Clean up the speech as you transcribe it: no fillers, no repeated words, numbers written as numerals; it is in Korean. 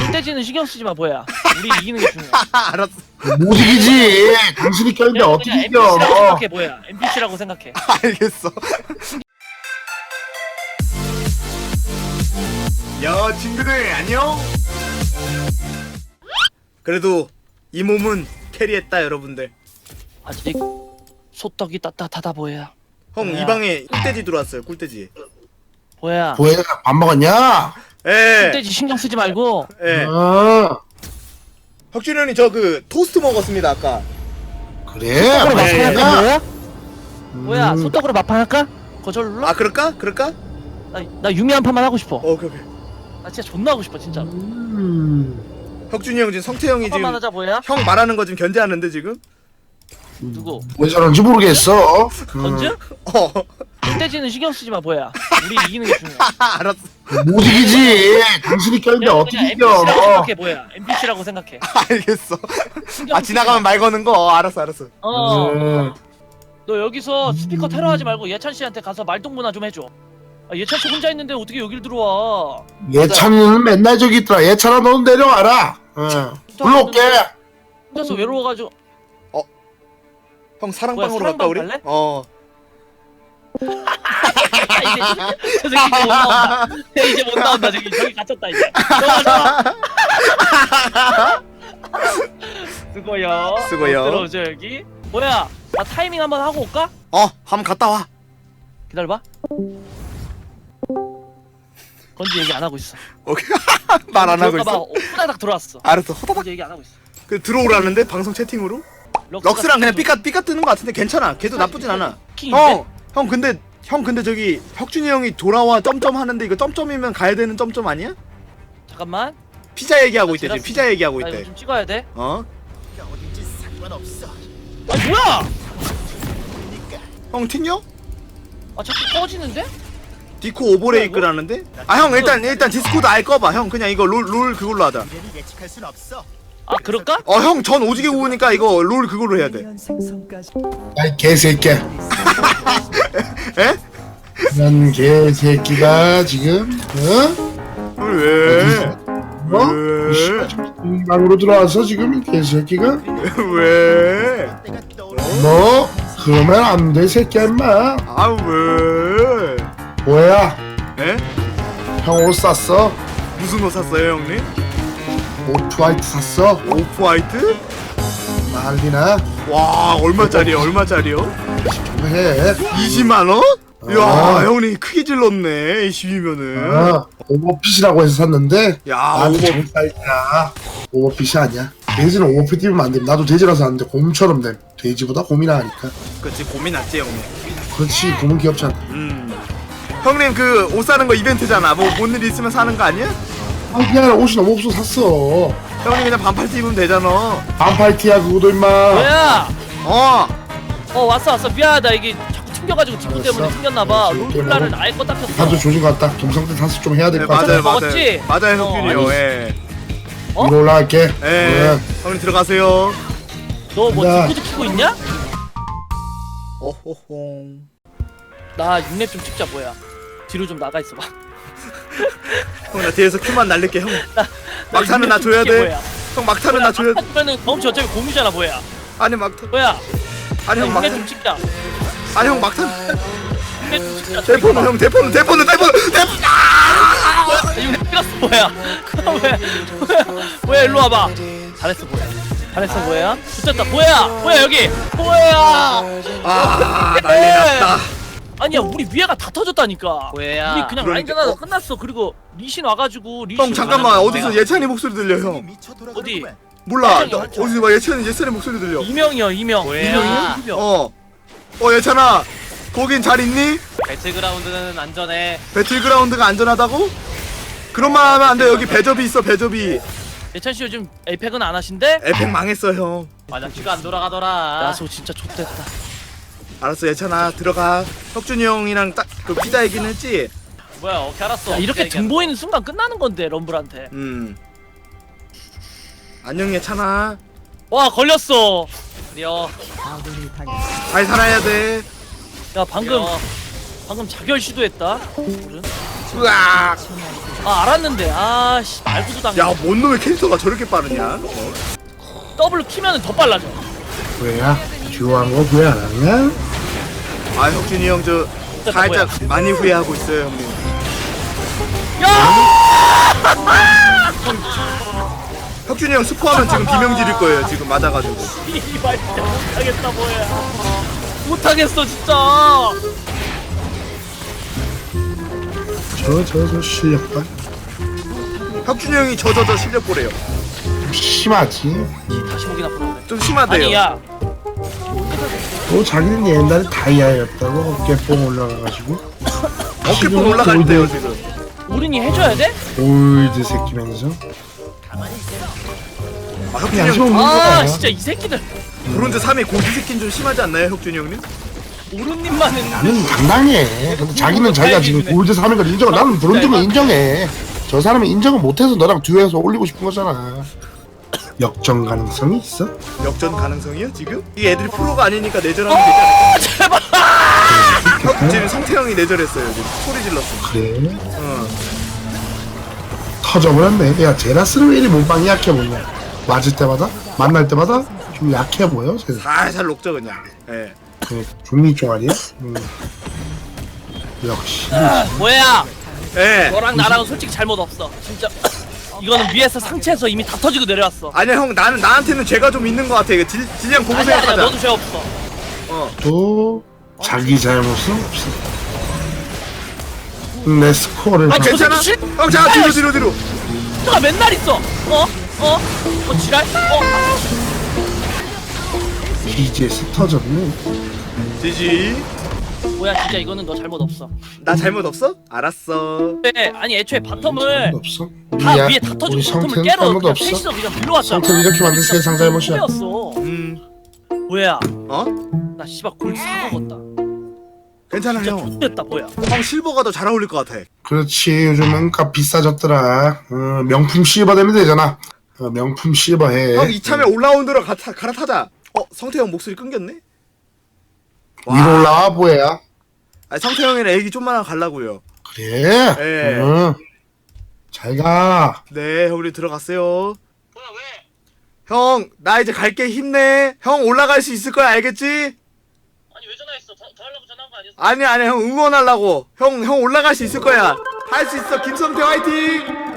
떼지는 신경 쓰지 마 보야. 우리 이기는 게 중요해. 알았어. 못 이기지. 당신이 껴있는데 그냥 어떻게 NPC라고 이겨? 생각해 보야. NPC라고 생각해. 알겠어. 야 친구들 안녕. 그래도 이 몸은 캐리했다 여러분들. 아직 소떡이 따뜻하다 보야. 형 뭐야? 이 방에 꿀돼지 들어왔어요. 꿀돼지. 보야. 보혜가 밥 먹었냐? 예. 떼지 신경 쓰지 말고. 예. 어. 혁준이 형이 저 그 토스트 먹었습니다 아까. 그래. 소떡으로 네. 마판할까 보야? 음. 뭐야 소떡으로 마판할까? 거절로? 아 그럴까? 그럴까? 나 유미 한 판만 하고 싶어. 오케이. 나 진짜 존나 하고 싶어 진짜. 혁준이 형 지금 성태형이 한 판만 지금 하자 보야. 형 말하는 거 지금 견제하는데 지금. 누구? 왜 저런지 모르겠어. 건즈? 어. 떼지는 신경 쓰지 마 보야. 우리 이기는 게 중요해. 알았어. 못 이기지. 당신이 껴있는데 그냥 어떻게 NPC라고 이겨? 생각해 보야. NPC라고 생각해. 알겠어. 신경 아 쓰지 지나가면 마. 말 거는 거. 알았어. 너 여기서 스피커 테러하지 말고 예찬 씨한테 가서 말동무나 좀 해줘. 아, 예찬 씨 혼자 있는데 어떻게 여길 들어와? 예찬이는 맨날 저기 있더라. 예찬아 너는 내려와라. 불러올게. 혼자서 외로워가지고. 형 사랑방으로 뭐야, 갈까 우리? 사랑방 갈래? 어. 저 새끼 이제 못 나온다. 이제 못 나온다. 저기 갇혔다 이제. 들어가자. 수고요. 수고요. 들어오죠 여기. 뭐야? 나 타이밍 한번 하고 올까? 한번 갔다 와. 기다려봐. 건지 얘기 안 하고 있어. 오케이. 말 안 하고 들어올까 있어. 봐 후다닥 들어왔어. 알았어. 허다닥. 건지 얘기 안 하고 있어. 그 들어오라는데 방송 채팅으로? 럭스랑 그냥 삐까 뜨는 거 같은데 괜찮아. 걔도 나쁘진 않아. 형 근데 저기 혁준이 형이 돌아와 점점 하는데 이거 점점이면 가야 되는 점점 아니야? 잠깐만. 피자 얘기하고 있대 지금. 제라스. 피자 얘기하고 나 이거 있대. 좀 찍어야 돼. 어? 아 뭐야? 형 튕겨? 아 자꾸 꺼지는데? 디코 오버레이크라는데? 아 형 일단 디스코드 아예 꺼봐. 형 그냥 이거 롤 그걸로 하자. 아 그럴까? 형 전 오지게 구우니까 이거 롤 그걸로 해야 돼. 야이 개새끼야. 에? 난 개새끼가 지금 왜? 어? 이 방으로 들어와서 지금 이 개새끼가 왜? 너 그러면 안 돼 새끼야 임마. 아 왜? 뭐야? 에? 형 옷 샀어? 무슨 옷 샀어요 형님? 오프화이트 샀어? 오프화이트? 난리나? 와 얼마짜리요? 해. 20만원? 이야 아. 형님 크게 질렀네 20이면은. 오버핏이라고 해서 샀는데 야 나한테 오버. 좋은 사이즈야. 오버핏이 아니야. 돼지는 오버핏 입으면 안 돼. 나도 돼지라서 안 돼. 곰처럼 돼. 돼지보다 곰이나 하니까. 그치 고민 났지 형님. 그렇지. 곰은 귀엽잖아. 형님 그 옷 사는 거 이벤트잖아. 뭐 뭔 일 있으면 사는 거 아니야? 아 그냥 옷이 너무 없어 샀어. 형님 그냥 반팔티 입으면 되잖아. 반팔티야 그거도 임마. 뭐야? 왔어 미안하다. 이게 자꾸 튕겨가지고 디코 때문에 알았어. ting겼나봐. 오케이, 오케이, 롤플라를 먹어. 아예 껐다 켰어. 다들 조심 같다. 동상태 다스 좀 해야 될 네, 것 같아. 맞아요 먹었지? 맞아요 혁준이요. 아니. 예. 어? 위로 올라갈게. 예. 형님 들어가세요. 너 뭐 간다. 디코도 키고 있냐? 어호홍. 나 6렙 좀 찍자 뭐야. 뒤로 좀 나가 있어봐. 형 나 뒤에서 큐만 날릴게 형. 막타는 나 6렙 좀 줘야 찍게, 돼. 뭐야. 형 막타는 나 줘야 돼. 막타면은 경험치 어차피 공유잖아 뭐야. 아니 막타. 뭐야? 아니 형 6렙 막타. 좀 찍자. 아니 형 막타. 6렙 좀 찍자. 대포는 형 대포는. 6렙 찍었어 뭐야. 뭐야 일로 와봐. 잘했어 뭐야. 붙였다 뭐야 여기 뭐야. 아 난리 났다. 아니야 우리 위에가 다 터졌다니까. 뭐야? 우리 그냥 그러니까. 라인전하다 끝났어. 그리고 리신 와가지고 리신 형 잠깐만 어디서 예찬이 목소리 들려 형. 어디? 몰라 예찬이 어디서 막 예찬이 목소리 들려. 이명이요 이명. 뭐야? 이명. 예찬아 거긴 잘 있니? 배틀그라운드는 안전해. 배틀그라운드가 안전하다고? 그런 말 하면 안돼. 여기 배접이 있어 배접이. 예찬 씨 요즘 에이펙은 안 하신대? 에펙 망했어 형. 마장치가 안 돌아가더라. 야소 진짜 좆됐다. 알았어 예찬아 들어가. 혁준이 형이랑 딱 그 피자 얘기는 했지? 뭐야? 어떻게 알았어? 야, 이렇게 어떻게 등 보이는 순간 끝나는 건데 럼블한테. 안녕 예찬아. 와 걸렸어. 드디어. 잘 살아야 돼. 야 방금 자결 시도했다. 으악. 아 알았는데 아씨 말고도 당해. 야뭔 놈의 캐릭터가 저렇게 빠르냐? 더블로 키면은 더 빨라져. 왜야? 듀오한 거 후회 안 하냐? 아 혁준이 형 저 살짝 많이 후회하고 있어요 형님. 야! 혁준이 형 스포하면 지금 비명 지를 거예요 지금 맞아가지고. 이발 진짜 못하겠다 뭐야. 못하겠어 진짜. 저 실력 봐. 혁준이 형이 저 실력 보래요. 좀 심하지. 다시 보기나 보는데. 좀 심하대요. 아니야. 또 자기는 옛날에 다이아였다고 어깨뽕 올라가가지고. 어깨뽕 올라갈 때요 지금. 우린이 해줘야 돼? 올드 새끼면서. 아 혁준이 양심 형 없는 아 거야. 진짜 이 새끼들. 브론즈 3의 고지 새끼는 좀 심하지 않나요 혁준이 형님? 오른님만은 나는 당당해. 근데 자기는 자기가 지금 골드 3인 걸 인정을. 나는 브론즈는 인정해. 저 사람은 인정을 못해서 너랑 듀오해서 올리고 싶은 거잖아. 역전 가능성이 있어? 역전 가능성이요 지금? 이 애들이 프로가 아니니까 내절하면 되지 않을까? 제발. 지금 성태형이 내절했어요 지금 소리 질렀어. 그래? 어. 터져버렸네. 야 제라스는 왜 이리 몸빵이 약해 보이냐? 맞을 때마다? 만날 때마다 좀 약해 보여. 쟤는. 살살 녹죠 그냥. 예. 종이 종아리야? 역시. 뭐야? 예. 너랑 나랑은 솔직히 잘못 없어. 진짜. 이거는 위에서 상체에서 이미 다 터지고 내려왔어. 아니야 형 나한테는 죄가 좀 있는 것 같아. 이거 질량 보고 아니야 생각하자. 너도 죄 없어. 어. 또 자기 잘못은 없어. 내 스코어를 아, 다- 저 괜찮아? 새끼 형 자 뒤로. 너가 맨날 있어. 지랄? BGS 터졌네. 지지. 뭐야 진짜 이거는 너 잘못 없어. 나 잘못 없어? 알았어. 네, 아니 애초에 잘못 바텀을 없어. 다 우리야, 위에 다 터지고 우리 바텀을 성태는 깨러 잘못 그냥 없어. 셋이서 그냥 불러왔잖아. 성태 이렇게 만든 세상 잘못이야. 였어. 뭐야? 어? 나 씨발 골 사먹었다. 괜찮아 진짜 형. X됐다 뭐야? 형 실버가 더 잘 어울릴 것 같아. 그렇지. 요즘은 값 비싸졌더라. 명품 실버 되면 되잖아. 명품 실버 해. 형 이참에 올라운드로 갈아타자. 성태형 목소리 끊겼네? 위로 올라와 보여야. 아 성태형이랑 애기 좀만 갈라고요. 그래. 예. 잘 가. 네, 우리 들어갔어요. 뭐야 왜? 형, 나 이제 갈게 힘내. 형 올라갈 수 있을 거야, 알겠지? 아니 왜 전화했어? 더 하려고 전화한 거 아니었어? 아니야, 형 응원하려고. 형 올라갈 수 있을 거야. 할 수 있어, 김성태 화이팅!